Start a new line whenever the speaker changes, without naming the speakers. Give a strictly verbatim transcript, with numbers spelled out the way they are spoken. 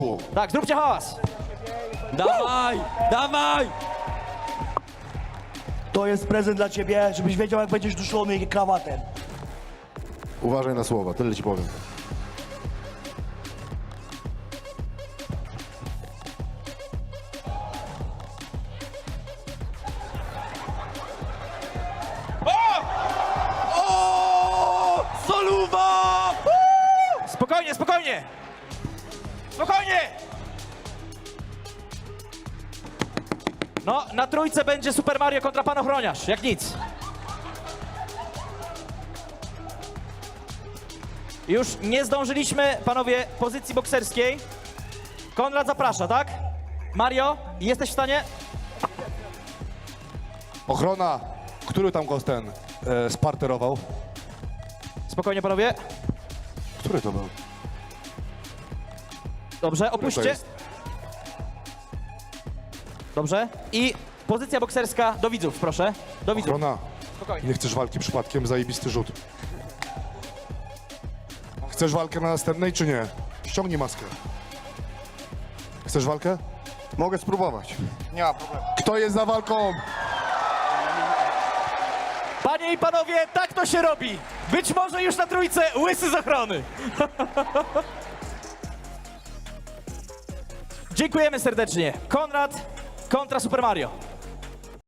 Tak, zróbcie hałas.
Dawaj, dawaj!
To jest prezent dla ciebie, żebyś wiedział, jak będziesz duszony krawatem.
Uważaj na słowa, tyle ci powiem.
O! Soluwa!
Spokojnie, spokojnie. Spokojnie. No, na trójce będzie Super Mario kontra Pan Ochroniarz, jak nic. Już nie zdążyliśmy, panowie, pozycji bokserskiej. Konrad zaprasza, tak? Mario, jesteś w stanie?
Ochrona, który tam go ten e, sparterował?
Spokojnie, panowie.
Który to był?
Dobrze,
to
opuśćcie.
jest?
Dobrze. I pozycja bokserska do widzów, proszę. Do widzów.
Ochrona,
Spokojnie.
nie chcesz walki przypadkiem, zajebisty rzut. Chcesz walkę na następnej, czy nie? Ściągnij maskę. Chcesz walkę?
Mogę spróbować. Nie ma problemu.
Kto jest za walką?
Panie i panowie, tak to się robi. Być może już na trójce łysy z ochrony. Dziękujemy serdecznie. Konrad kontra Super Mario.